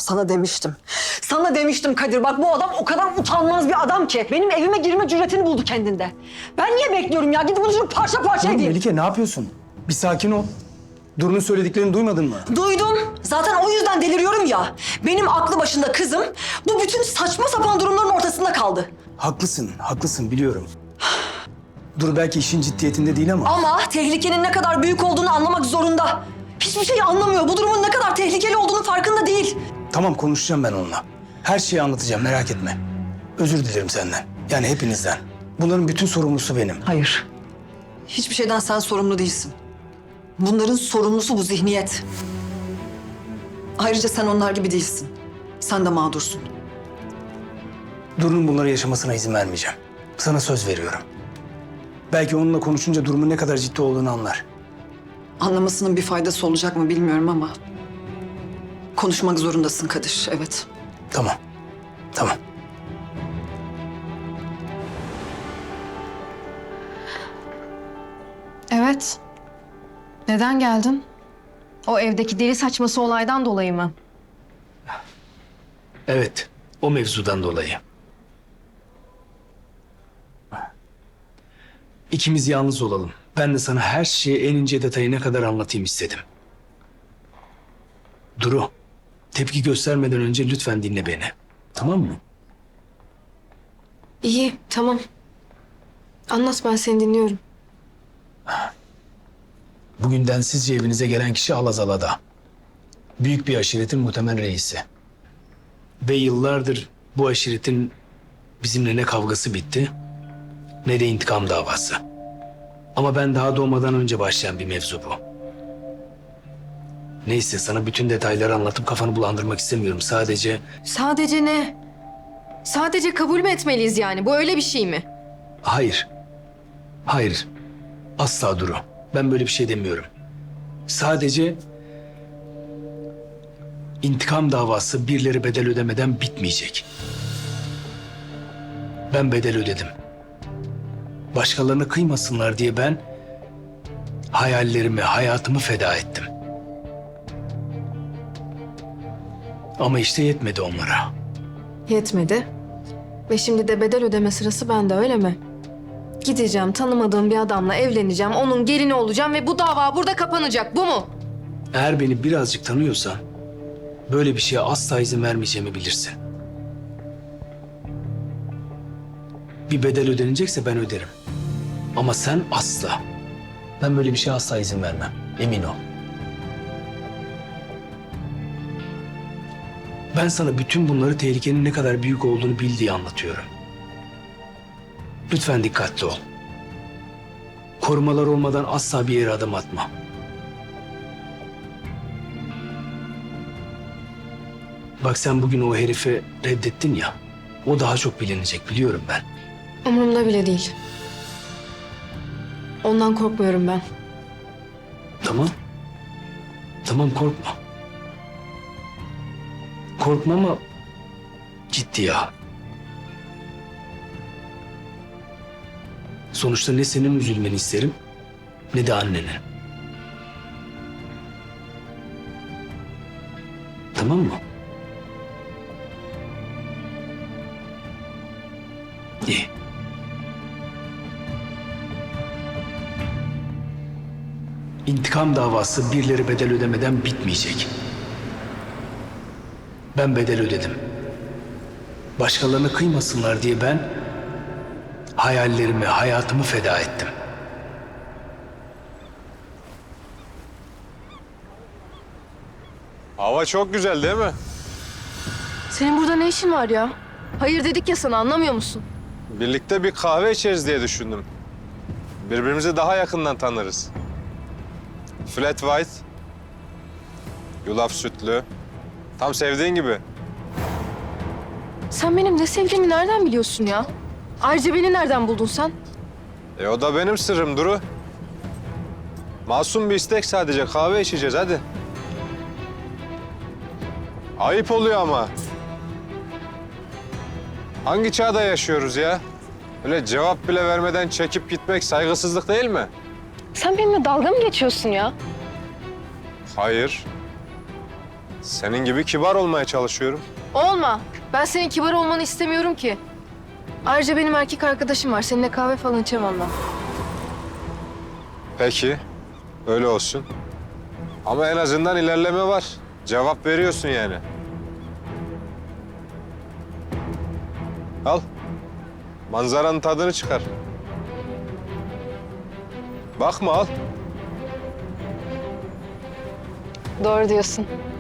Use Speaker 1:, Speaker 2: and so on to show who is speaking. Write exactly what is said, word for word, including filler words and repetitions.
Speaker 1: Sana demiştim. Sana demiştim Kadir. Bak bu adam o kadar utanmaz bir adam ki. Benim evime girme cüretini buldu kendinde. Ben niye bekliyorum ya? Gidip bunu şunu parça parça
Speaker 2: Dur
Speaker 1: edeyim.
Speaker 2: Melike, ne yapıyorsun? Bir sakin ol. Duru'nun söylediklerini duymadın mı?
Speaker 1: Duydum. Zaten o yüzden deliriyorum ya. Benim aklı başında kızım bu bütün saçma sapan durumların ortasında kaldı.
Speaker 2: Haklısın, haklısın biliyorum. Duru belki işin ciddiyetinde değil ama...
Speaker 1: Ama tehlikenin ne kadar büyük olduğunu anlamak zorunda. Hiçbir şeyi anlamıyor. Bu durumun ne kadar tehlikeli olduğunu farkında değil.
Speaker 2: Tamam, konuşacağım ben onunla. Her şeyi anlatacağım, merak etme. Özür dilerim senden. Yani hepinizden. Bunların bütün sorumlusu benim.
Speaker 1: Hayır. Hiçbir şeyden sen sorumlu değilsin. Bunların sorumlusu bu zihniyet. Ayrıca sen onlar gibi değilsin. Sen de mağdursun.
Speaker 2: Duru'nun bunları yaşamasına izin vermeyeceğim. Sana söz veriyorum. Belki onunla konuşunca durumun ne kadar ciddi olduğunu anlar.
Speaker 1: Anlamasının bir faydası olacak mı bilmiyorum ama... konuşmak zorundasın Kadir, evet.
Speaker 2: Tamam, tamam.
Speaker 3: Evet. Neden geldin? O evdeki deli saçması olaydan dolayı mı?
Speaker 2: Evet, o mevzudan dolayı. İkimiz yalnız olalım. Ben de sana her şeyi en ince detayına kadar anlatayım istedim. Duru, tepki göstermeden önce lütfen dinle beni. Tamam mı?
Speaker 3: İyi, tamam. Anlat, ben seni dinliyorum.
Speaker 2: Bugün densizce evinize gelen kişi Alazala'da. Büyük bir aşiretin muhtemel reisi. Ve yıllardır bu aşiretin bizimle ne kavgası bitti, ne de intikam davası. Ama ben daha doğmadan önce başlayan bir mevzu bu. Neyse, sana bütün detayları anlatıp kafanı bulandırmak istemiyorum. Sadece...
Speaker 3: Sadece ne? Sadece kabul mü etmeliyiz yani? Bu öyle bir şey mi?
Speaker 2: Hayır. Hayır. Asla Duru. Ben böyle bir şey demiyorum. Sadece... intikam davası birileri bedel ödemeden bitmeyecek. Ben bedel ödedim. Başkalarına kıymasınlar diye ben... hayallerimi, hayatımı feda ettim. Ama işte yetmedi onlara.
Speaker 3: Yetmedi. Ve şimdi de bedel ödeme sırası bende, öyle mi? Gideceğim, tanımadığım bir adamla evleneceğim, onun gelini olacağım ve bu dava burada kapanacak, bu mu?
Speaker 2: Eğer beni birazcık tanıyorsan... böyle bir şeye asla izin vermeyeceğimi bilirsin. Bir bedel ödenecekse ben öderim. Ama sen asla. Ben böyle bir şeye asla izin vermem. Emin ol. Ben sana bütün bunları tehlikenin ne kadar büyük olduğunu bil diye anlatıyorum. Lütfen dikkatli ol. Korumalar olmadan asla bir yere adım atma. Bak, sen bugün o herifi reddettin ya. O daha çok bilinecek, biliyorum ben.
Speaker 3: Umurumda bile değil. Ondan korkmuyorum ben.
Speaker 2: Tamam. Tamam, korkma. Korkma ama ciddiye al. Sonuçta ne senin üzülmeni isterim ne de annenin. Tamam mı? İyi. İntikam davası birileri bedel ödemeden bitmeyecek. Ben bedel ödedim. Başkalarına kıymasınlar diye ben hayallerimi, hayatımı feda ettim.
Speaker 4: Hava çok güzel değil mi?
Speaker 3: Senin burada ne işin var ya? Hayır dedik ya sana, anlamıyor musun?
Speaker 4: Birlikte bir kahve içeriz diye düşündüm. Birbirimizi daha yakından tanırız. Flat white, yulaf sütlü. Tam sevdiğin gibi.
Speaker 3: Sen benim ne sevdiğimi nereden biliyorsun ya? Ayrıca beni nereden buldun sen?
Speaker 4: E o da benim sırrım Duru. Masum bir istek sadece. Kahve içeceğiz hadi. Ayıp oluyor ama. Hangi çağda yaşıyoruz ya? Öyle cevap bile vermeden çekip gitmek saygısızlık değil mi?
Speaker 3: Sen benimle dalga mı geçiyorsun ya?
Speaker 4: Hayır. Senin gibi kibar olmaya çalışıyorum.
Speaker 3: Olma. Ben senin kibar olmanı istemiyorum ki. Ayrıca benim erkek arkadaşım var. Seninle kahve falan içemem ben.
Speaker 4: Peki, öyle olsun. Ama en azından ilerleme var. Cevap veriyorsun yani. Al. Manzaranın tadını çıkar. Bakma al.
Speaker 3: Doğru diyorsun.